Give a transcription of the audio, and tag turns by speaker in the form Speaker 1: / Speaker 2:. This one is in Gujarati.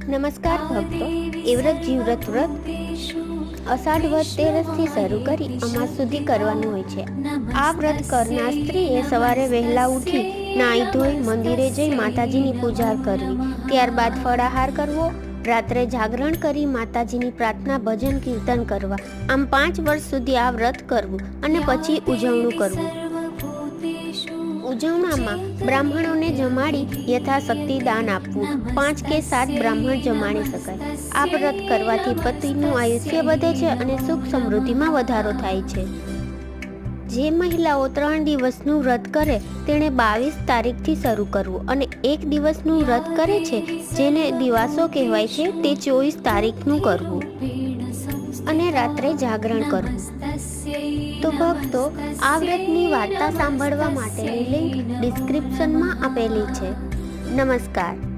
Speaker 1: નમસ્કાર ભક્તો, એ વ્રત જીવવ્રત વ્રત અષાઢ વદ તેરસથી શરૂ કરી અમાસ સુધી કરવાનું હોય છે. આ વ્રત કરનાર સ્ત્રીએ સવારે વહેલા ઉઠી નાહી ધોઈ મંદિરે જઈ માતાજીની પૂજા કરવી, ત્યારબાદ ફળાહાર કરવો, રાત્રે જાગરણ કરી માતાજીની પ્રાર્થના ભજન કીર્તન કરવા. આમ 5 વર્ષ સુધી આ વ્રત કરવું અને પછી ઉજવણું કરવું. ઉજવણામાં બ્રાહ્મણોને જમાડી યથાશક્તિ દાન આપવું. 5 કે 7 બ્રાહ્મણ જમાડી શકાય. આ વ્રત કરવાથી પતિનું આયુષ્ય વધે છે અને સુખ સમૃદ્ધિમાં વધારો થાય છે. જે મહિલાઓ 3 દિવસનું વ્રત કરે તેણે 22 તારીખથી શરૂ કરવું અને 1 દિવસનું વ્રત કરે છે જેને દિવાસો કહેવાય છે તે 24 તારીખનું કરવું અને રાત્રે જાગરણ કરવું. તો ભક્તો, આ વ્રતની વાર્તા સાંભળવા માટેની લિંક ડિસ્ક્રિપ્શનમાં આપેલી છે. નમસ્કાર.